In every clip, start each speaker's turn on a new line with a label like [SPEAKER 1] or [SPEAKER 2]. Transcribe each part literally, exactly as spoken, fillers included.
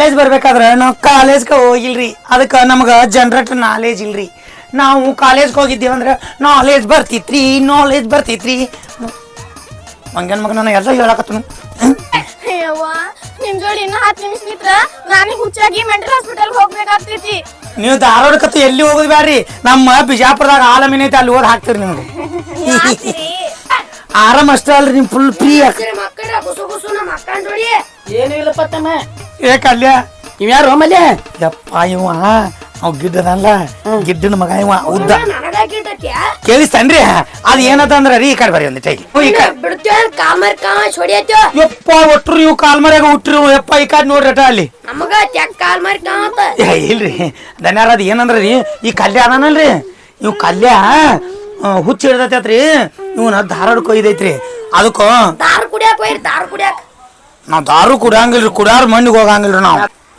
[SPEAKER 1] College ಬರ್ಬೇಕಾದ್ರೆ ನಾವು ಕಾಲೇಜ್ಗೆ ಹೋಗಿಲ್ರಿ, ಅದಕ್ಕೆ ನಮ್ಗೆ ಜನರೇಟ್ ನಾಲೇಜ್ ಇಲ್ರಿ. ನಾವು ಕಾಲೇಜ್ಗೆ ಹೋಗಿದ್ದೀವಂದ್ರೆ ನಾಲೇಜ್ ಬರ್ತಿತ್ರಿ, ನಾಲೇಜ್ ಬರ್ತಿತ್ರಿ. ಮಂಗನ ಮಗ ನಾನು ಎಲ್ಲ ಹೇಳಕತ್ತನು.
[SPEAKER 2] ನಿಮ್ ಜೋಡಿ ಇನ್ನ ಹತ್ತು ನಿಮಿಷ ನಿಂತ್ರ ನಾನು ಹುಚ್ಚಾಗಿ ಮೆಂಟಲ್ ಹಾಸ್ಪಿಟಲ್ ಹೋಗ್ಬೇಕಾಗ್ತೈತಿ.
[SPEAKER 1] ನೀವು ಧಾರವಾಡಕತ್ತು ಎಲ್ಲಿ ಹೋಗುದು ಬ್ಯಾಡ್ರಿ, ನಮ್ಮ ಬಿಜಾಪುರದಾಗ ಆಲಮೀನ್ ಐತಿ, ಅಲ್ಲಿ ಓದ್ ಹಾಕ್ತಿರಿ ನಿಮ್ಗೆ. ಆರಾಮ್ ಅಷ್ಟೇ ಅಲ್ರಿ, ನಿಮ್ ಫುಲ್ ಫ್ರೀ.
[SPEAKER 3] ಏನು ಇಲ್ಲಪ್ಪ ತಮ್ಮ.
[SPEAKER 1] ಏ ಕಲ್ಯ
[SPEAKER 3] ಇವ್ಯಾರು ಮಲ್ಯ?
[SPEAKER 1] ಯಪ್ಪ ಇವ ಅವ್ ಗಿಡ್ಡದಲ್ಲ, ಗಿಡ್ಡನ ಮಗ ಇವ ಉದ್ದ. ಕೇಳಿಸ್ತನ್ರಿ ಅದ್ ಏನದಂದ್ರ ರೀ, ಈ ಕಡೆ ಬರೀ ಒಂದಿಟ್ಟ ಯಪ್ಪ ಒಟ್ರು ಇವ್ ಕಾಲ್ ಮರ್ಯಾಗ ಹುಟ್ರಿ ಯಪ್ಪ. ಈ ಕಡೆ ನೋಡ್ರಟ ಅಲ್ಲಿ ಇಲ್ರಿ ಧನ್ಯಾರ. ಅದ್ ಏನಂದ್ರ ರೀ, ಈ ಕಲ್ಯ ಅದಾನಲ್ರಿ, ಇವ್ ಕಲ್ಯ ಹುಚ್ಚ ಹಿಡ್ದೈತ್ರಿ, ಇವನ ಧಾರವಾಡ ಕೊಯ್ದೈತ್ರಿ. ಅದಕ್ಕ
[SPEAKER 2] ದಾರು ಕುಡಿಯಾಕ ಹೋಯ್ರಿ, ದಾರು ಕುಡಿಯಾಕ.
[SPEAKER 1] ನಾವ್ ದಾರು ಕುಡಿಯಂಗಿಲ್ರಿ, ಕುಡಿಯಾರ ಮಂದಿಗೆ ಹೋಗಂಗಿಲ್ರಿ ನಾವ್.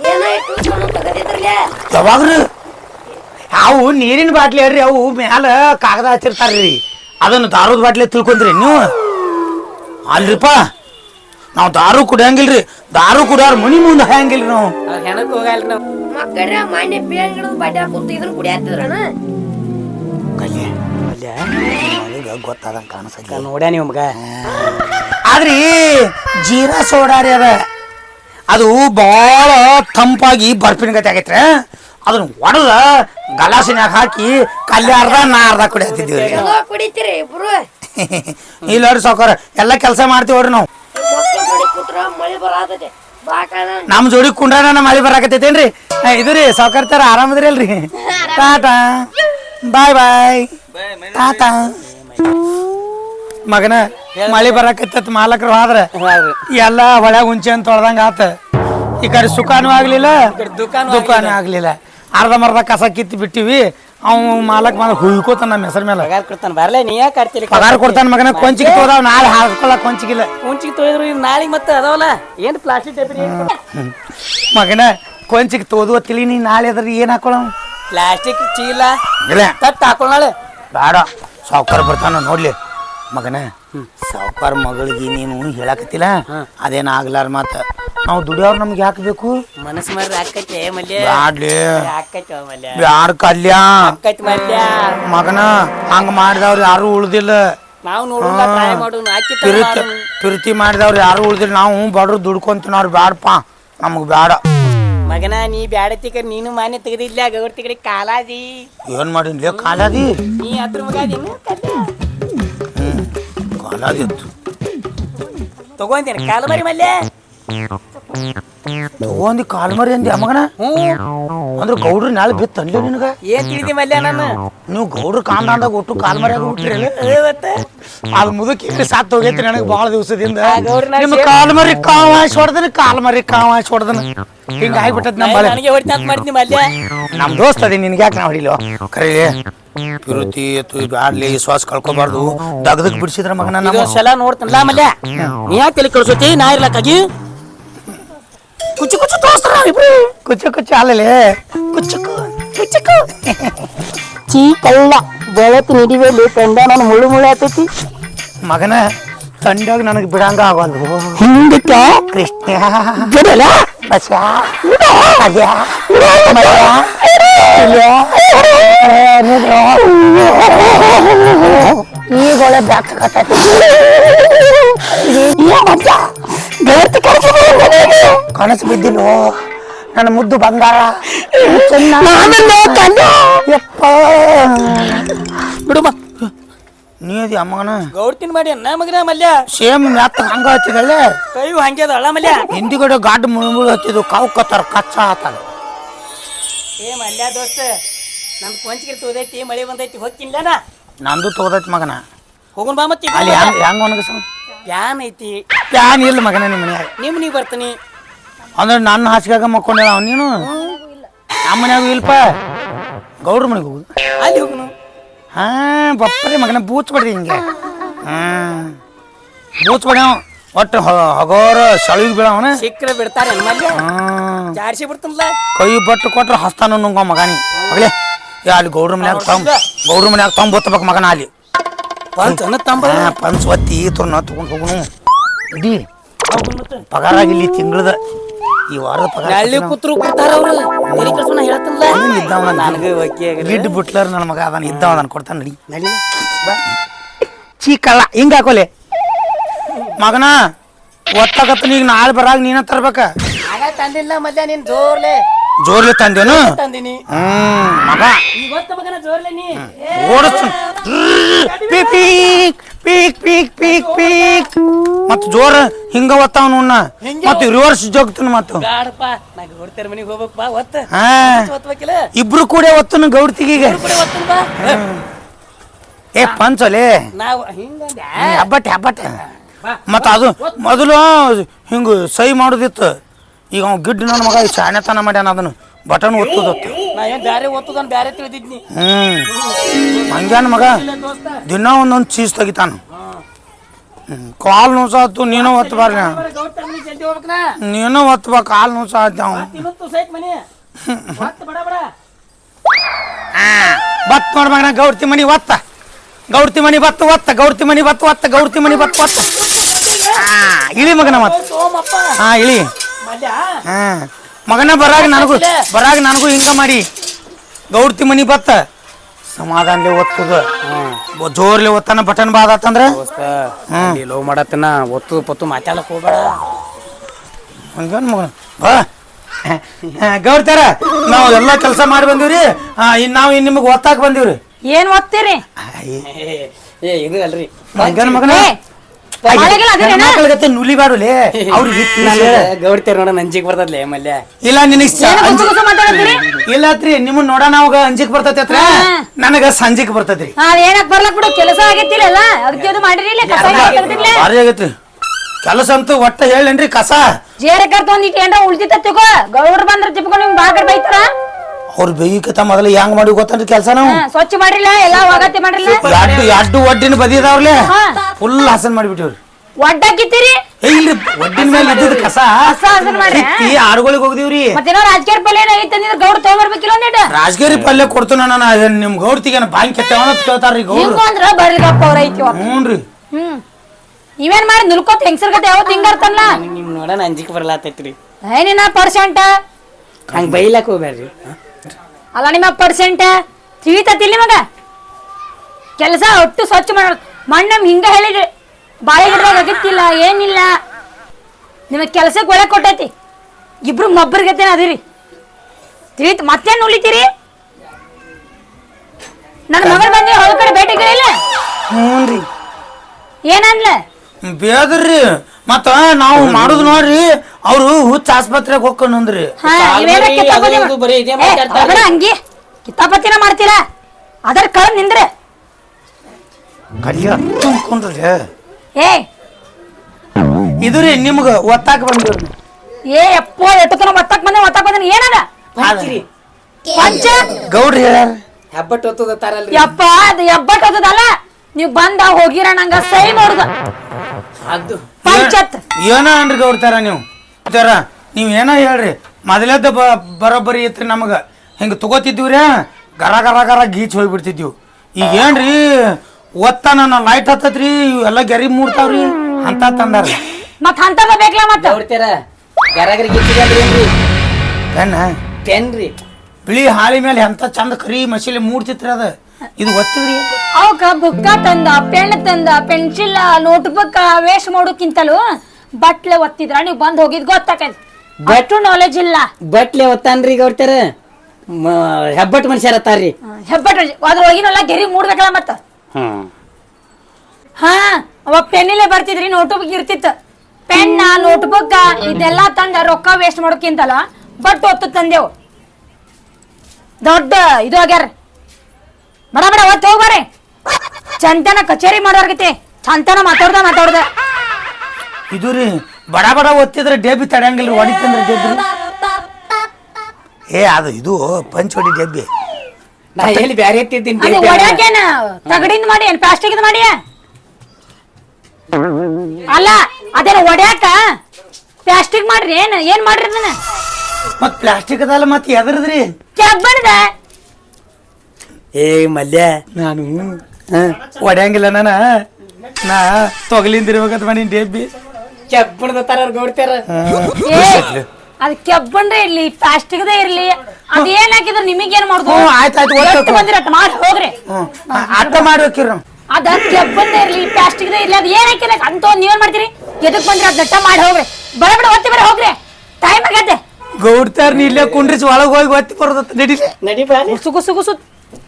[SPEAKER 1] ಯಾವಾಗ್ರಿ ಅವು ನೀರಿನ ಬಾಟ್ಲಿ ಹೇಳ್ರಿ, ಅವು ಮ್ಯಾಲ ಕಾಗದ ಹಚ್ಚಿರ್ತಾರ್ರಿ, ಅದನ್ನ ದಾರದ ಬಾಟ್ಲಿ ತಿಳ್ಕೊಂಡ್ರಿ ನೀವು. ಅಲ್ರಿಪ್ಪ ನಾವ್ ದಾರು ಕುಡಿಯಂಗಿಲ್ರಿ, ದಾರು ಕುಡಿಯಾರ ಮನಿ ಮುಂದೆ ಹಾಯಂಗಿಲ್ರಿ ನಾವು.
[SPEAKER 3] ಹೆಣಕ್ ಹೋಗಲ್ರಿ ನಾವು.
[SPEAKER 2] ಮಕ್ಕಳ್ರೆ ಮಾನ್ಯ ಬೇಗ ಹಿಡಿದು ಬಡ್ಡಿ ಹಾಕುತ್ತ ಇದನ್ನ ಕುಡಿಯಾತಿದ್ರಣ.
[SPEAKER 1] ಕಲ್ಯ ಕಲ್ಯ ಗೊತ್ತಾದಂಗ ಕಾಣಿಸ
[SPEAKER 3] ನೋಡ್ಯಾ ನೀವು ಮಗ.
[SPEAKER 1] ಆದ್ರಿ ಜೀರಾ ಸೋಡಾರಿ ಅದ, ಅದು ಬಾಳ ತಂಪಾಗಿ ಬರ್ಫಿನ ಗತಿ ಆಗೈತ್ರಿ. ಅದನ್ನ ಒಡದ ಗಲಾಸಿನ್ಯಾಗ ಹಾಕಿ ಕಲ್ಯ ಅರ್ಧ ನಾ ಅರ್ಧ ಕುಡಿಯತ್ತಿದ್ದೀವಿ.
[SPEAKER 2] ಕುಡಿತೀರಿ ಇಬ್ರು?
[SPEAKER 1] ಇಲ್ಲರಿ ಸಾವ್ಕಾರ, ಎಲ್ಲ ಕೆಲಸ ಮಾಡ್ತೀವ್ರಿ ನಾವು. ನಮ್ ಜೋಡಿ ಕುಂಡ್ರಾನ ಮಳಿ ಬರಾಕತ್ತೈತೇನ್ರಿ? ಇದು ರೀ ಸಾವ್ಕಾರ್ತಾರ, ಆರಾಮದ್ರಿ ಅಲ್ರಿ? ಟಾಟಾ ಬಾಯ್ ಬಾಯ್ ಟಾಟಾ. ಮಗನ ಮಳಿ ಬರಾಕತ್ತ ಮಾಲಕರು ಆದ್ರ ಎಲ್ಲ ಹೊಳ್ಯಾಗ ಉಂಚೆ ಅಂತ ತೊಳ್ದಂಗ ಆತ. ಈ ಕಡೆ ಸುಖಾನು ಆಗ್ಲಿಲ್ಲ, ದುಕಾನು ಆಗ್ಲಿಲ್ಲ. ಅರ್ಧ ಮರ್ಧ ಕಸ ಕಿತ್ತು ಬಿಟ್ಟಿವಿ. ಅವ್ ಮಾಲಕ್ ಮಾಲ ಹುಯ್ಕೋತ ನಮ್ಮ ಹೆಸರ ಮೇಲೆ
[SPEAKER 3] ಬರ್ಲೇ ನೀ ಯಾಕೆ ಆಡ್ತೀರಿ?
[SPEAKER 1] ಪಗಾರ ಕೊಡ್ತಾನ ಮಗನ. ಕೊಂಚಿಗೆ ತೋದಾವ್, ನಾಳೆ ಹಾಕೊಳಕ್ ಕೊಂಚಿಗಿಲ್ಲ.
[SPEAKER 3] ಕೊಂಚಿಗೆ ತೊಯ್ದ್ರು ನಾಳೆಗೆ ಮತ್ತೆ ಅದಾವಲ್ಲ ಏನ್ ಪ್ಲಾಸ್ಟಿಕ್ ಟೈಪ್
[SPEAKER 1] ಮಗನ. ಕೊಂಚಿಗೆ ತೋದುವ ತಿಳಿ ನೀ ನಾಳೆ ಅದ್ರ ಏನ್ ಹಾಕೊಳ?
[SPEAKER 3] ಪ್ಲಾಸ್ಟಿಕ್ ಚೀಲ
[SPEAKER 1] ತಟ್
[SPEAKER 3] ಹಾಕೊಳ್ಳ
[SPEAKER 1] ಬೇಡ, ಸಾವ್ಕಾರ ಬರ್ತಾನ ನೋಡ್ಲಿ. ಮಗನ ಸಾವ್ಕಾರ ಮಗಳಿಗೆ ನೀನು ಹೇಳಕತ್ತಿಲ್ಲ, ಅದೇನ ಆಗ್ಲಾರ ಮಾತ. ನಾವು ದುಡಿಯವ್ರು ನಮ್ಗೆ ಯಾಕೆ ಬೇಕು?
[SPEAKER 3] ಮನಸ್ಸು ಮಾರ್ರ ಆಕೈತೆ ಮಲ್ಯ.
[SPEAKER 1] ಬ್ಯಾಡ್ಲಿ
[SPEAKER 3] ಆಕೈತೆ ಮಲ್ಯ,
[SPEAKER 1] ಬ್ಯಾಡ ಕಲ್ಯ
[SPEAKER 3] ಆಕೈತೆ ಮಲ್ಯ.
[SPEAKER 1] ಮಗನ ಹಂಗ ಮಾಡಿದವ್ರು ಯಾರು ಉಳ್ದಿಲ್ಲ.
[SPEAKER 3] ನಾವು ನೋಡೋಣ, ಟ್ರೈ ಮಾಡೋಣ.
[SPEAKER 1] ಪ್ರೀತಿ ಪ್ರೀತಿ ಮಾಡಿದವ್ರು ಯಾರು ಉಳ್ದಿಲ್ಲ. ನಾವು ಬಡ್ರು ದುಡ್ಕೊಂತಿನವ್ರು ಬ್ಯಾಡಪ್ಪ, ನಮಗ್ ಬ್ಯಾಡ.
[SPEAKER 3] ಮಗನ ನೀ ಬ್ಯಾಡತಿಕ ನೀನು ಮಾನ್ಯ ತೆಗೆದಿಲ್ಲ ಗೌರ್ತಿ ಕಡೆ ಕಾಲಾದಿ.
[SPEAKER 1] ಏನ್ ಮಾಡಿನ್ಲೇ ಕಾಲಾದಿ?
[SPEAKER 3] ನೀ ಅದ್ರ ಮಗ
[SPEAKER 1] ಹ್ಮ್ ಕಾಲಾದಿ
[SPEAKER 3] ತಗೊಂತೇನೆ ಕಾಲ ಮರಿ ಮಲ್ಯ.
[SPEAKER 1] ತಗೊಂಡಿ ಕಾಲ್ ಮರಿ ಅಂದಿ ಮಗನ? ಅಂದ್ರ ಗೌಡ್ರ ನಾಳೆ ಬಿತ್ತು ಅನ್ಲಿ ನಿನಗ?
[SPEAKER 3] ಏನ್ ತಿಳಿದಿ ಮಲ್ಯ ನಾನು?
[SPEAKER 1] ನೀವು ಗೌಡ್ರ ಕಾಂದಾಂದಾಗ ಒಟ್ಟು ಕಾಲ್ ಮರಿ ಆಗ್ಬಿಟ್ರಿ. ಅದ್ ಮುದಕಿ ಸಾತ್ ಹೋಗೈತಿ ನನಗೆ ಬಹಳ ದಿವಸದಿಂದ. ನಿಮ್ಮ ಕಾಲ್ ಮರಿ ಕಾವಾಶ್ ಹೊಡ್ದನ, ಕಾಲ್ ಮರಿ ಕಾವಾಶ್ ಹೊಡ್ದನ, ಹಿಂಗ ಆಗ್ಬಿಟ್ಟದ್. ನಮ್ಮ
[SPEAKER 3] ನನಗೆ ಹೊಡಿತ ಅಂತ ಮಾಡ್ತೀನಿ ಮಲ್ಯ.
[SPEAKER 1] ನಮ್ ದೋಸ್ತ ಅದಿ, ನಿನ್ಗೆ ಯಾಕೆ ನಾ ಹೊಡಿಲೋ? ಕರೀ ಪಿರುತಿ ಬ್ಯಾಡ್ಲಿ, ಶ್ವಾಸ ಕಳ್ಕೊಬಾರ್ದು. ದಗದಕ್ ಬಿಡಿಸಿದ್ರ ಮಗನ ನಮ್ಮ
[SPEAKER 3] ಸಲ ನೋಡ್ತಾನಲ್ಲ ಮಲ್ಯ. ನೀ ಯಾಕೆ ತಲೆ ಕಳ್ಸೋತಿ? ನಾ ಇರ್ಲಕ್ಕಾಗಿ ಕುಚ್ಚು ಕುಚ್ಚು ತೋರಿಸ್ತಾರ ಇಬ್ರು.
[SPEAKER 1] ಕುಚ್ಚು ಕುಚ್ಚು ಅಲ್ಲಲೇ ಕುಚ್ಚುಕು ಕುಚ್ಚುಕು
[SPEAKER 3] ಚೀ ಕಳ್ಳ ಬೆಳಕು ನಿಡಿವೇಲಿ ಪೆಂಡ ನಾನು ಮುಳ್ಳು ಮುಳ್ಳು ಆತೈತಿ.
[SPEAKER 1] ಮಗನ ತಂಡಾಗ ನನಗೆ ಬಿಡಂಗ ಆಗಲ್ದು.
[SPEAKER 3] ಹಿಂದಕ್ಕ
[SPEAKER 1] ಕೃಷ್ಣ
[SPEAKER 3] ಬಿಡಲ್ಲ
[SPEAKER 1] ಬಸ ಈಗೊಳೆ ಬ್ಯಾಕತ್ತೈತಿ. ಕನಸು ಬಿದ್ದಿಲ್ವೋ ನನ್ನ ಮುದ್ದು ಬಂಗಾರ? ಯಪ್ಪ
[SPEAKER 3] ಬಿಡುಮ
[SPEAKER 1] ನೀದಿ ಅಮ್ಮಗನ
[SPEAKER 3] ಗೌಡ್ತಿನ ಮಾಡಿ ಅನ್ನ ಮಗನ ಮಲ್ಯ.
[SPEAKER 1] ಸೇಮ್ ಮ್ಯಾತ್ ಹಂಗ ಹಚ್ಚಿದಲ್ಲೇ
[SPEAKER 3] ಕೈ ಹಂಗೆ ಅಳ ಮಲ್ಯ.
[SPEAKER 1] ಹಿಂದಿಗಡೆ ಗಾಡ್ ಮುಳುಮುಳು ಹಚ್ಚಿದ್ದು ಕಾವು ಕತ್ತಾರ ಕಚ್ಚ ಆತಾರ.
[SPEAKER 3] ಏ ಮಲ್ಯ ದೋಸ್ತ, ನಮ್ ಕೊಂಚಿಗೆ ತೋದೈತಿ, ಮಳೆ ಬಂದೈತಿ, ಹೋಗ್ತಿನ್ಲನ.
[SPEAKER 1] ನಂದು ತೋದೈತಿ ಮಗನ.
[SPEAKER 3] ಹೋಗೋಣ ಬಾ ಮತ್ತೆ.
[SPEAKER 1] ಅಲ್ಲಿ ಹೆಂಗ್ ಹೆಂಗ ಒಣಗಸ
[SPEAKER 3] ಪ್ಯಾನ್ ಐತಿ.
[SPEAKER 1] ಪ್ಯಾನ್ ಇಲ್ಲ ಮಗನ ನಿಮ್ಮ ಮನ್ಯಾಗ.
[SPEAKER 3] ನಿಮ್ ನೀ ಬರ್ತೀನಿ
[SPEAKER 1] ಅಂದ್ರೆ ನನ್ನ ಹಾಸಿಗೆಗ ಮಕ್ಕೊಂಡ ನೀನು? ನಮ್ಮ ಮನ್ಯಾಗೂ ಇಲ್ಪ, ಗೌಡ್ರ ಮನೆಗೆ ಹೋಗುದು.
[SPEAKER 3] ಅಲ್ಲಿ ಹೋಗುನು.
[SPEAKER 1] ಹಾ ಬಪ್ಪರಿ ಮಗನ ಬೂಚ್ ಬಡ್ರಿ ಹಿಂಗೆ. ಹ್ಮ್ ಬೂಚ್ ಬಡ್ಯಾವ ಒಟ್ಟು ಹಗೋರ ಸಳಿಗೆ ಬೀಳವನ.
[SPEAKER 3] ಸಿಕ್ಕರೆ ಬಿಡ್ತಾರೆ ಮಲ್ಯ.
[SPEAKER 1] ಹ್ಮ್
[SPEAKER 3] ಜಾಡ್ಸಿ ಬಿಡ್ತನಲ್ಲ.
[SPEAKER 1] ಕೈ ಬಟ್ಟು ಕೊಟ್ರೆ ಹಸ್ತಾನ ನುಂಗ ಮಗನಿ. ಮಗಳೇ ಅಲ್ಲಿ ಗೌಡ್ರ ಮನ್ಯಾಗ ತಂಬ, ಗೌಡ್ರ ಮನ್ಯಾಗ ತಂಬ ಬತ್ತಬೇಕು ಮಗನ. ಅಲ್ಲಿ ಪಂಚ್ ಒತ್ತಿ ತುರ್ನ ತಗೊಂಡು ಹೋಗುನು. ಇಡೀ ಪಗಾರ ಆಗಿಲ್ಲಿ ತಿಂಗಳದ ಈ ವಾರದ ಪಗಾರ
[SPEAKER 3] ಹಳ್ಳಿ ಕೂತ್ರು ಕೂತಾರ ಅವ್ರು ತಲೆ ಕೆಡ್ಸೋಣ ಹೇಳ್ತಲ್ಲ
[SPEAKER 1] ಇದ್ದಾವ
[SPEAKER 3] ನನಗೆ ಓಕೆ
[SPEAKER 1] ಗಿಡ್ ಬಿಟ್ಲರ್ ನನ್ನ ಮಗ ಅದನ್ನ ಇದ್ದಾವ ಅದನ್ನ ಕೊಡ್ತಾನ ನಡಿ ನಡಿ ಚೀಕಲ್ಲ ಹಿಂಗ ಹಾಕೋಲೆ ಮಗನ ಒತ್ತಾಗತ್ತ ಈಗ ನಾಳೆ ಬರಾಗ ನೀನ ತರ್ಬೇಕ
[SPEAKER 3] ಆಗ ತಂದಿಲ್ಲ ಮಧ್ಯ ನೀನ್ ಜೋರ್ಲೆ
[SPEAKER 1] ಜೋರ್ಲಿ ತಂದೇನು
[SPEAKER 3] ತಂದಿನಿ
[SPEAKER 1] ಹ್ಮ್ ಮಗ
[SPEAKER 3] ಇವತ್ತ ಮಗನ ಜೋರ್ಲೆ ನೀ
[SPEAKER 1] ಓಡಿಸ್ ಪೀಕ್ ಪೀಕ್ ಪೀಕ್ ಪೀಕ್ ಪೀಕ್ ಪೀಕ್ ಮತ್ ಜೋರ ಹಿಂಗ ಒತ್ತಾವ ನೋಡ್ನ ಮತ್ ರಿವರ್ಸ್ ಜೋಗ್ತಾನ ಮತ್ತ
[SPEAKER 3] ಗಾಡಪ್ಪ ನಾ ಗೌಡ್ತೇರ ಮನಿಗೆ ಹೋಗ್ಬೇಕು ಬಾ ಒತ್ತ
[SPEAKER 1] ಹಾ
[SPEAKER 3] ಒತ್ತಬೇಕಿಲ್ಲ
[SPEAKER 1] ಇಬ್ರು ಕೂಡ ಒತ್ತನು ಗೌಡ್ತಿಗೀಗ
[SPEAKER 3] ಕೂಡ ಒತ್ತನ್ ಬಾ
[SPEAKER 1] ಏ ಪಂಚಲೆ
[SPEAKER 3] ನಾವು ಹಿಂಗಂದೆ
[SPEAKER 1] ಹಬ್ಬಟ್ಟೆ ಹಬ್ಬಟ್ಟೆ ಮತ್ತ ಅದು ಮೊದಲು ಹಿಂಗ ಸೈ ಮಾಡೋದಿತ್ತು ಈಗ ಅವ್ ಗಿಡ್ ನನ್ನ ಮಗ ಶಾಣೆತನ ಮಾಡ್ಯಾನ ಅದನ್ನು ಬಟನ್ ಒತ್ತುದತ್ತು
[SPEAKER 3] ನಾ ಏನ್ ಬ್ಯಾರೆ ಒತ್ತುದನ್ ಬ್ಯಾರೆ ತಿಳಿದಿದ್ನಿ
[SPEAKER 1] ಹ್ಮ್ ಹಂಗ್ಯಾನ ಮಗ ದಿನ ಒಂದೊಂದು ಚೀಸ್ ತೆಗಿತಾನ ಹ್ಮ್ ಕಾಲ್ ನೋಸಾತು ನೀನು ಒತ್ತಬಾರ್ನ
[SPEAKER 3] ಗೌಡ್ತೇರ ಮನಿ ಜಲ್ದಿ ಹೋಗ್ಬೇಕನಾ
[SPEAKER 1] ನೀನು ಒತ್ತಬಾ ಕಾಲ್ ನೋಸಾತ ಅವ್
[SPEAKER 3] ಇವತ್ತು ಸೈಕ್ ಮನಿ ಒತ್ತ ಬಡ ಬಡ
[SPEAKER 1] ಬತ್ ನೋಡ್ ಮಗನ ಗೌಡ್ತಿ ಮನಿ ಒತ್ತ ಗೌಡ್ತಿ ಮನಿ ಬತ್ತು ಒತ್ತ ಗೌಡ್ತಿ ಮನಿ ಬತ್ತು ಒತ್ತ ಗೌಡ್ತಿ ಮನಿ ಬತ್ತು ಒತ್ತ ಹಾ ಇಳಿ ಮಗನ ಮತ್ತ
[SPEAKER 3] ಸೋಮಪ್ಪ
[SPEAKER 1] ಹಾ ಇಳಿ
[SPEAKER 3] ಮಲ್ಯ
[SPEAKER 1] ಹಾ ಮಗನ ಬರಾಗ ನನಗೂ ಬರಾಗ ನನಗೂ ಹಿಂಗ ಮಾಡಿ ಗೌಡ್ತಿ ಮನಿ ಬತ್ತ ಸಮಾಧಾನಲೆ ಒತ್ತದ ಜೋರ್ಲೆ ಒತ್ತಾನ ಬಟನ್ ಬಾದತ್ತಂದ್ರ
[SPEAKER 3] ಲವ್ ಮಾಡತ್ತನ ಒತ್ತು ಪತ್ತು ಮಾತಾಡಕ್ ಹೋಗ್ಬೇಡ
[SPEAKER 1] ಹಂಗನ್ ಮಗನ ಬಾ ಗೌಡ್ತಾರ ನಾವು ಎಲ್ಲ ಕೆಲಸ ಮಾಡಿ ಬಂದಿವ್ರಿ ಇನ್ ನಾವು ಇನ್ ನಿಮಗೆ ಒತ್ತಾಕ ಬಂದಿವ್ರಿ
[SPEAKER 2] ಏನ್ ಓದ್ತೀರಿ
[SPEAKER 3] ಏ ಇದು ಅಲ್ರಿ
[SPEAKER 1] ಹಂಗನ್ ಮಗನ
[SPEAKER 2] ಮಳೆಗೆಲ್ಲ ಅದೇನೇನ?
[SPEAKER 1] ಮಕ್ಕಳಿಗತ್ತೆ ನುಲಿ ಬಾಡುಲೆ ಅವ್ರಿಗೆ
[SPEAKER 3] ಗೌಡ್ತೇರ್ ನೋಡ ನಂಜಿಗೆ ಬರ್ತದ್ಲೆ ಮಲ್ಯ
[SPEAKER 1] ಇಲ್ಲ ನಿನಗ್
[SPEAKER 2] ಏನು ಗುಸು ಗುಸು ಮಾತಾಡತ್ತೀರಿ
[SPEAKER 1] ಇಲ್ಲತ್ರಿ ನಿಮ್ಮನ್ನ ನೋಡ ನಾವಾಗ ಅಂಜಿಕ್ ಬರ್ತೈತಿ ಹತ್ರ ನನಗ ಸಂಜಿಕ್ ಬರ್ತೈತ್ರಿ
[SPEAKER 2] ಅದ್ ಏನಕ್ ಬರ್ಲಕ್ ಬಿಡು ಕೆಲಸ ಆಗೈತಿಲ್ಲ ಅದಕ್ಕೆ ಅದು ಮಾಡಿರಿ ಇಲ್ಲ ಕಸ ತೆಗ್ದಿರ್ಲೆ.
[SPEAKER 1] ಭಾರಿ ಆಗೈತ್ರಿ ಕೆಲಸ ಅಂತೂ ಒಟ್ಟ ಹೇಳೇನ್ರಿ ಕಸ
[SPEAKER 2] ಜೇರೆ ಕರ್ತ ಒಂದಿಟ್ಟು ಏನ್ರ ಉಳ್ದಿತ್ತ ತಿಳ್ಕೊ ಗೌಡ್ರು ಬಂದ್ರ ತಿಪ್ಕೊಂಡು ನಿಮ್ ಬಾಕರ್ ಬೈತಾರ
[SPEAKER 1] ಅವ್ರ ಬೇಯಿಕತ ಮೊದಲು ಹೆಂಗ್ ಮಾಡಿ ಗೊತ್ತನ್ರಿ ಕೆಲಸ ನಾವು
[SPEAKER 2] ಹಾ, ಸ್ವಚ್ಛ ಮಾಡಿಲ್ಲ ಎಲ್ಲಾ ಒಗತ್ತೆ ಮಾಡಿಲ್ಲ
[SPEAKER 1] ಎರಡು ಎರಡು ಒಡ್ಡಿನ ಬದಿದಾವ್ಲೆ
[SPEAKER 2] ಹಾ.
[SPEAKER 1] ಫುಲ್ ಹಸನ್ ಮಾಡಿಬಿಟ್ಟಿವ್ರಿ
[SPEAKER 2] ಒಡ್ಡಾಕಿತ್ತೀರಿ
[SPEAKER 1] ಏ ಇಲ್ರಿ ಒಡ್ಡಿನ ಮೇಲೆ ಇದ್ದಿದ್ ಕಸ
[SPEAKER 2] ಕಸ ಹಸನ್ ಮಾಡ್ರಿ
[SPEAKER 1] ಕಿತ್ತಿ ಆಡುಗಳಿಗೆ ಹೋಗ್ದಿವ್ರಿ
[SPEAKER 2] ಮತ್ತೇನೋ ರಾಜಕೀಯ ಪಲ್ಯ ಐತಂದಿದ್ರ ಗೌಡ್ ತಗೊಂಡ್ಬರ್ಬೇಕಿಲ್ಲ ಒಂದೇಟ
[SPEAKER 1] ರಾಜಗಿರಿ ಪಲ್ಯ ಕೊಡ್ತು ನಾನು ಅದೇನ್ ನಿಮ್ ಗೌಡ್ತಿಗೆ ಬಾಯಿ ಕೆತ್ತವ ಅಂತ ಕೇಳ್ತಾರ್ರಿ ಗೌಡ್ರು
[SPEAKER 2] ಹಿಂಗ ಅಂದ್ರ ಬರ್ರಿ ಗಪ್ಪ ಅವ್ರ ಐತಿ ಇವತ್ತು.
[SPEAKER 1] ಹ್ಞೂನ್ರಿ
[SPEAKER 2] ಹ್ಮ್ ನೀವೇನ್ ಮಾಡಿ ನುಲ್ಕೋತ್ ಹೆಂಗಸರ್ ಗತೆ ಯಾವತ್ ಹಿಂಗಾರ್ತಲ್ಲ
[SPEAKER 3] ನಿಮ್ ನೋಡ ಅಂಜಿಕೆ ಬರ್ಲಾತೈತ್ರಿ
[SPEAKER 2] ಏನಿನ ಪರ್ಸೆಂಟ್
[SPEAKER 3] ಹಂಗ ಬೈಲಾಕ್ ಹೋಗ್ಬೇಡ್ರಿ
[SPEAKER 2] ಅಲ್ಲ ನಿಮ್ಮ ಪರ್ಸೆಂಟ್ ತಿಳಿತತಿಲ್ ಮಗ ಕೆಲಸ ಒಟ್ಟು ಸ್ವಚ್ಛ ಮಾಡ ಮಣ್ಣಮ್ ಹಿಂಗ ಹೇಳಿದ್ರಿ ಬಾಳೆ ಗಿಡದಾಗ ಅಗತ್ತಿಲ್ಲ ಏನಿಲ್ಲ ನಿಮಗ್ ಕೆಲ್ಸಕ್ಕೆ ಒಳಗೆ ಕೊಟ್ಟೈತಿ ಇಬ್ರು ಮಬ್ಬರಿಗತ್ತೇನ ಅದಿರಿ ತಿಳಿತ್ ಮತ್ತೇನ್ ಉಳಿತೀರಿ ನನ್ನ ಮಗನ್ ಬಂದಿ ಹೊಲ ಕಡೆ ಭೇಟಿಗಳಿಲ್ಲ
[SPEAKER 1] ಹ್ಞೂನ್ರಿ
[SPEAKER 2] ಏನಂದ್ಲ
[SPEAKER 1] ಬೇದ್ರಿ ಮತ್ತ ನಾವು ಮಾಡುದು ನೋಡ್ರಿ ಅವ್ರು ಹುಚ್ಚ ಆಸ್ಪತ್ರೆಗೆ ಹೋಗ್ಕೊಂಡ್ರಿ
[SPEAKER 2] ಹಾ ನೀವೇನ ಕಿತ್ತಾಪತಿ
[SPEAKER 3] ಅದು ಬರೀ ಇದೇ ಮಾತಾಡ್ತಾರೆ.
[SPEAKER 2] ಮಾ- ಹಂಗಿ ಕಿತ್ತಾಪತಿನ ಮಾಡ್ತೀರಾ ಅದರ ಕಳ್ ನಿಂದ್ರೆ
[SPEAKER 1] ಕಲ್ಯ ತುಂಬ್ಕೊಂಡ್ರಿ
[SPEAKER 2] ಏ
[SPEAKER 1] ಇದು ರೀ ನಿಮ್ಗ ಒತ್ತಾಕ ಬಂದಿವ್ರಿ
[SPEAKER 2] ಏ ಅಪ್ಪೋ ಎಟ್ಟತನ ಒತ್ತಾಕ್ ಬಂದೆ ಒತ್ತಾಕ್ ಬಂದೆ ಏನದ
[SPEAKER 3] ಪಂಚ್ರಿ
[SPEAKER 2] ಪಂಚ
[SPEAKER 1] ಗೌಡ್ರಿ ಹೇಳ್ಯಾರ
[SPEAKER 3] ಹೆಬ್ಬಟ್ ಹೊತ್ತದ ತಾರಲ್ರಿ
[SPEAKER 2] ಯಪ್ಪ ಅದು ಎಬ್ಬಟ್ ಹೋದದಲ್ಲ ನೀವ್ ಬಂದ ಹೋಗಿರ ನಂಗ ಸೈ ಮಾಡುದ
[SPEAKER 3] ಅದು
[SPEAKER 2] ಪಂಚತ್
[SPEAKER 1] ಏನ ಅನ್ರಿ ಗೌಡ್ತಾರ ನೀವು ತರ ನೀವ್ ಏನ ಹೇಳ್ರಿ ಮೊದಲೇದ ಬರೋಬ್ಬರಿ ಐತ್ರಿ ನಮಗ ಹಿಂಗ ತಗೋತಿದ್ವಿರ ಗರ ಗರ ಗರ ಗೀಚ್ ಹೋಗ್ಬಿಡ್ತಿದ್ವಿ ಈಗ ಏನ್ರಿ ಒತ್ತಾನ ಲೈಟ್ ಹತ್ತತ್ರಿ ಇವೆಲ್ಲ ಗೆರಿ ಮೂಡ್ತಾವ್ರಿ ಅಂತ ತಂದಾರ
[SPEAKER 2] ಮತ್ ಅಂತದ ಬೇಕಲ್ಲ ಮತ್ತ
[SPEAKER 3] ಗೌಡ್ತೇರ ಗರಗರಿ ಗಿಚ್ಚಿಗಲ್ರಿ ಏನ್ರಿ
[SPEAKER 1] ಪೆನ್ನ
[SPEAKER 3] ಪೆನ್ ರೀ
[SPEAKER 1] ಬಿಳಿ ಹಾಳಿ ಮೇಲೆ ಎಂತ ಚಂದ ಕರಿ ಮಸೀಲಿ ಮೂಡ್ತಿತ್ರಿ ಅದ ಇದು ಒತ್ತಿದ್ರಿ
[SPEAKER 2] ಅವಕ್ಕ ಬುಕ್ಕ ತಂದ ಪೆನ್ ತಂದ ಪೆನ್ಸಿಲ್ ನೋಟ್ ಬುಕ್ ವೇಸ್ಟ್ ಮಾಡೋಕ್ಕಿಂತಲೂ ಬಟ್ಲೆ ಒತ್ತಿದ್ರ ನೀವ್ ಬಂದ್ ಹೋಗಿದ್ ಗೊತ್ತಾಕೈತಿ ಬಟ್ಟು ನಾಲೆಜ್ ಇಲ್ಲ
[SPEAKER 3] ಬಟ್ಲೆ ಒತ್ತಾನ್ರಿ ಗೌಡ್ತೇರ ಹೆಬ್ಬಟ್ ಮನುಷ್ಯರ ಅತ್ತಾರ್ರಿ
[SPEAKER 2] ಹೆಬ್ಬಟ್ ಅದ್ರ ಹೋಗಿನಲ್ಲ ಗೆರಿ ಮೂಡ್ಬೇಕಲ್ಲ ಮತ್ತ
[SPEAKER 3] ಹ್ಮ್
[SPEAKER 2] ಹಾ ಅವ ಪೆನ್ನಿಲೆ ಬರ್ತಿದ್ರಿ ನೋಟ್ ಬುಕ್ ಇರ್ತಿತ್ತು ಪೆನ್ನ ನೋಟ್ ಬುಕ್ ಇದೆಲ್ಲ ತಂದ ರೊಕ್ಕ ವೇಸ್ಟ್ ಮಾಡೋಕ್ಕಿಂತಲ್ಲ ಬಟ್ ಒತ್ತು ತಂದೆವು ದೊಡ್ಡ ಇದು ಆಗ್ಯಾರ ಬಡ ಬಡ ಒತ್ತು ಹೋಗ್ಬಾರೆ ಚಂತನ ಕಚೇರಿ ಮಾಡೋರ್ಗತಿ ಚಂತನ ಮಾತಾಡ್ದ ಮಾತಾಡ್ದ
[SPEAKER 1] ಇದು ರೀ ಬಡ ಬಡ ಒತ್ತಿದ್ರೆ ಡೇಬಿ ತಡೆಯಂಗಿಲ್ರಿ ಹೊಡಿತಂದ್ರೆ ಡೇಬಿ ಏ ಅದು ಇದು ಪಂಚ್ ಹೊಡಿ ಡೇಬಿ
[SPEAKER 3] ನಾ ಎಲ್ಲಿ ಬ್ಯಾರೆ ಎತ್ತಿದ್ದೀನಿ
[SPEAKER 2] ಅದು ಒಡ್ಯಾಕೇನ ತಗಡಿಂದ ಮಾಡಿ ಏನ್ ಪ್ಲಾಸ್ಟಿಕ್ ಮಾಡಿ ಅಲ್ಲ ಅದೇನ ಒಡ್ಯಾಕ ಪ್ಲಾಸ್ಟಿಕ್ ಮಾಡ್ರಿ ಏನ್ ಏನ್ ಮಾಡ್ರಿ ಅದನ್ನ
[SPEAKER 1] ಮತ್ ಪ್ಲಾಸ್ಟಿಕ್ ಅದಲ್ಲ ಮತ್ ಎದ್ರದ್ರಿ
[SPEAKER 2] ಕ್ಯಾಕ್ ಬಂದ
[SPEAKER 3] ಏ ಮಲ್ಯ
[SPEAKER 1] ನಾನು ಹೊಡ್ಯಂಗಿಲ್ಲ ನಾನ ನಾ ತೊಗಲಿಂದಿರ್ಬೇಕಂತ ಮಾಡಿ ಡೇಬಿ
[SPEAKER 3] ಕೆಬ್ಬಣದ ತರ ಗೌಡ್ತೇರ
[SPEAKER 2] ಅದ್ ಕೆಬ್ಬಂದ್ರೆ ಇರ್ಲಿ ಪ್ಲಾಸ್ಟಿಕ್ದೇ ಇರ್ಲಿ ಅದ್ ಏನ್ ಹಾಕಿದ್ರ ನಿಮಗೇನ್ ಮಾಡುದು
[SPEAKER 1] ಹ್ಞೂ ಆಯ್ತು ಆಯ್ತು
[SPEAKER 2] ಎಷ್ಟು ಬಂದಿರಟ್ ಮಾಡಿ ಹೋಗ್ರಿ
[SPEAKER 1] ಹ್ಮ್ ಅರ್ಥ ಮಾಡ್ಬೇಕಿರ
[SPEAKER 2] ಅದ ಕೆಬ್ಬಂದೇ ಇರ್ಲಿ ಪ್ಲಾಸ್ಟಿಕ್ದೇ ಇರ್ಲಿ ಅದ್ ಏನ್ ಹಾಕಿರ ಅಂತ ನೀವೇನ್ ಮಾಡ್ತೀರಿ ಎದಕ್ ಬಂದ್ರಿ ಅದ್ ನಟ್ಟ ಮಾಡಿ ಹೋಗ್ರಿ ಬಡ ಬಡ ಒತ್ತಿ ಬರ ಹೋಗ್ರಿ ಟೈಮ್ ಆಗತ್ತೆ
[SPEAKER 1] ಗೌಡ್ತಾರ ನೀ ಇಲ್ಲೇ ಕುಂಡ್ರಿಸಿ ಒಳಗೆ ಹೋಗಿ ಒತ್ತಿ ಬರೋದತ್ತ ನಡೀಲಿ
[SPEAKER 3] ನಡಿ ಬಾ ನೀ.
[SPEAKER 2] ಗುಸು ಗುಸು ಗುಸು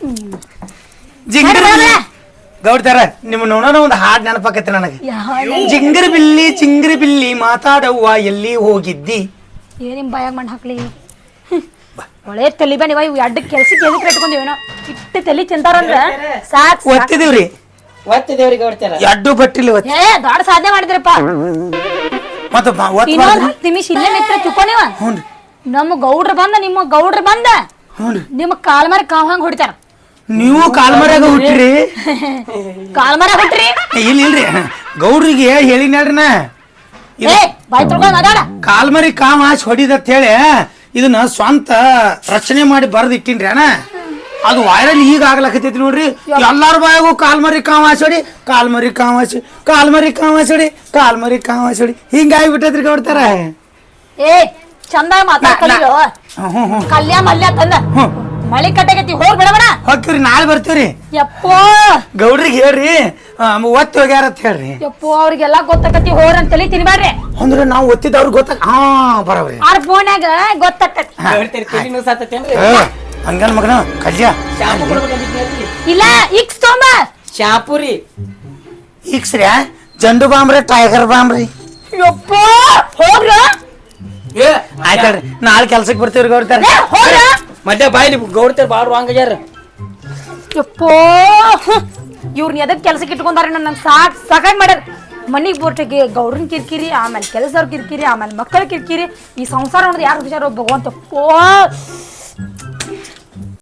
[SPEAKER 1] ಜಿಂಗರ್
[SPEAKER 2] ನಡಿ ಬಾ.
[SPEAKER 1] ಗೌಡ್ತಾರ ನಿಮ್ಮ ನೋಡೋಣ ಒಂದು ಹಾಡ್ ನೆನಪಾಕತ್ತೆ ನನಗೆ
[SPEAKER 2] ಯಾವ-
[SPEAKER 1] ಜಿಂಗರ ಬಿಲ್ಲಿ ಜಿಂಗರ ಬಿಲ್ಲಿ ಮಾತಾಡವ್ವ ಎಲ್ಲಿ ಹೋಗಿದ್ದಿ
[SPEAKER 2] ಏ ನಿಮ್ ಬಾಯಾಗ ಮಣ್ಣು ಹಾಕ್ಲಿ ಹ್ಮ್. ಒಳ್ಳೆ ತಲಿ ಬನ್ನಿ ಇವ ಇವ್ ಎಡ್ಡ ಕೆಲ್ಸಕ್ಕೆ ಎದಕ್ಕೆ ಇಟ್ಕೊಂಡಿವೇನೋ ಇಟ್ಟು ತಲಿ ತಿಂತಾರಂದ್ರ ಸಾಕ್ ಸಾಕ್.
[SPEAKER 1] ಒತ್ತಿದೀವ್ರಿ
[SPEAKER 3] ಒತ್ತಿದೇವ್ರಿಗೆ ಹೊಡ್ತಾರ
[SPEAKER 1] ಎಡ್ಡು ಬಟ್ಟಿಲ್ಲ ಒತ್ತಿ
[SPEAKER 2] ಏ ದೊಡ್ಡ ಸಾಧನೆ ಮಾಡಿದ್ರಪ್ಪ
[SPEAKER 1] ಮತ್ತೆ ಒತ್ತ
[SPEAKER 2] ಇನ್ನೊಂದ್ ಹತ್ತು ನಿಮಿಷ ಇಲ್ಲೇ ನಿತ್ರ ಚುಕ್ಕೋಣಿವ
[SPEAKER 1] ಹ್ಞೂ
[SPEAKER 2] ನಮ್ಮ ಗೌಡ್ರ ಬಂದ ನಿಮ್ಮ ಗೌಡ್ರ ಬಂದ
[SPEAKER 1] ಹ್ಞೂ
[SPEAKER 2] ನಿಮ್ಮ ಕಾಲ್ ಮರ ಕಾವ್ ಹಂಗ ಹೊಡಿತಾರ
[SPEAKER 1] ನೀವು ಕಾಲ್ಮರ್ಯಾಗ ಹುಟ್ಟಿರಿ
[SPEAKER 2] ಕಾಲ್ ಮರ ಹೊಟ್ರಿ
[SPEAKER 1] ಇಲ್ಲ ಇಲ್ರಿ ಗೌಡ್ರಿಗೆ ಹೇಳಿನ ನಾ
[SPEAKER 2] ಏ ಬಾಯ್ ತೊಳ್ಕೊಂಡ್ ಅದಾಡ
[SPEAKER 1] ಕಾಲ್ಮರಿ ಕಾಮ ಹಾಸಿ ಹೊಡಿದತ್ ಹೇಳಿ ಇದನ್ನ ಸ್ವಂತ ರಚನೆ ಮಾಡಿ ಬರೆದು ಇಟ್ಟಿನ್ರಿ ಅಣ್ಣ ಅದು ವೈರಲ್ ಈಗ ಆಗ್ಲಕತ್ತೈತಿ ನೋಡ್ರಿ ಎಲ್ಲಾರ ಬಾಯಾಗೂ ಕಾಲ್ಮರಿ ಕಾಮ ಹಾಸಿ ಹೊಡಿ ಕಾಲ್ಮರಿ ಕಾಮ ಹಾಸಿ ಕಾಲ್ಮರಿ ಕಾಮ ಹಾಸಿ ಹೊಡಿ ಕಾಲ್ಮರಿ ಕಾಮ ಹಾಸಿ ಹೊಡಿ ಹಿಂಗಾಗಿ ಬಿಟ್ಟೈತ್ರಿ ಗೌಡ್ತಾರ
[SPEAKER 2] ಏ ಚಂದ ಮಾತಾಡ್ಕಲಿಲ್ಲ
[SPEAKER 1] ಹ್ಞೂ ಹ್ಞೂ ಹ್ಞೂ
[SPEAKER 2] ಕಲ್ಯ ಮಲ್ಯ ತಂದ
[SPEAKER 1] ಹ್ಞೂ
[SPEAKER 2] ಮಳಿ ಕಟ್ಟಗತಿ ಹೋಗ್ ಬಿಡಬೇಡ
[SPEAKER 1] ಹೋಗ್ತೀವ್ರಿ ನಾಳೆ ಬರ್ತೀವ್ರಿ
[SPEAKER 2] ಯಪ್ಪೋ
[SPEAKER 1] ಗೌಡ್ರಿಗೆ ಹೇಳ್ರಿ ಒತ್ತಿ ಹೋಗ್ಯಾರ ಅಂತ ಹೇಳ್ರಿ
[SPEAKER 2] ಯಪ್ಪೋ ಅವ್ರಿಗೆಲ್ಲಾ ಗೊತ್ತಾಕತಿ ಹೋರ್ ಅಂತ ತಲಿ ತಿನ್ಬೇಡ್ರಿ
[SPEAKER 1] ಅಂದ್ರೆ ನಾವು ಒತ್ತಿದವ್ರಿಗೆ ಗೊತ್ತಾಗ ಹಾ ಬರವ್ರಿ
[SPEAKER 2] ಅವ್ರ ಫೋನ್ಯಾಗ ಗೊತ್ತಾಕತಿ
[SPEAKER 3] ಹೊಡ್ತೀರಿ ತಿಳಿ ಸಾತೇನ್ರಿ
[SPEAKER 1] ಹಂಗನ್ ಮಗನ ಕಲ್ಯ
[SPEAKER 3] ಶಾಂಪು ಕೊಡ್ಬೇಕಂತ
[SPEAKER 2] ಇಲ್ಲ ಇಕ್ಸ್ ತೊಂಬ
[SPEAKER 3] ಶಾಂಪು ರೀ
[SPEAKER 1] ಈಕ್ಸ್ರಿ ಜಂಡು ಬಾಂಬ್ರಿ ಟೈಗರ್ ಬಾಂಬ್ರಿ
[SPEAKER 2] ಯಪ್ಪೋ ಹೋಗ್ರ
[SPEAKER 3] ಏ
[SPEAKER 1] ಆಯ್ತಲ್ರಿ ನಾಳೆ ಕೆಲ್ಸಕ್ಕೆ ಬರ್ತೀವ್ರಿ ಗೌಡ್ತಾರ
[SPEAKER 2] ಏ, ಹೋಗ್ರ
[SPEAKER 3] ಮಧ್ಯ ಬಾಯ್ಲಿ ಗೌಡ್ತಾರ ಬಾಳ ವಾಂಗ್ಯಾರ
[SPEAKER 2] ಯಪ್ಪೋ ಇವ್ರನ್ನ ಎದಕ್ ಕೆಲ್ಸಕ್ಕೆ ಇಟ್ಕೊಂಡಾರ ನನ್ನ ಸಾಕ್ ಸಾಕಾಗಿ ಮಾಡ್ಯಾರ ಮನಿಗ್ ಬೋರ್ಟಿಗೆ ಗೌಡ್ರನ್ ಕಿರಿಕಿರಿ ಆಮೇಲೆ ಕೆಲಸದವ್ರ ಕಿರಿಕಿರಿ ಆಮೇಲೆ ಮಕ್ಕಳ ಕಿರಿಕಿರಿ ಈ ಸಂಸಾರ ಅನ್ನೋದು ಯಾರು ಹುಷಾರ ಭಗವಂತ ಯಪ್ಪೋ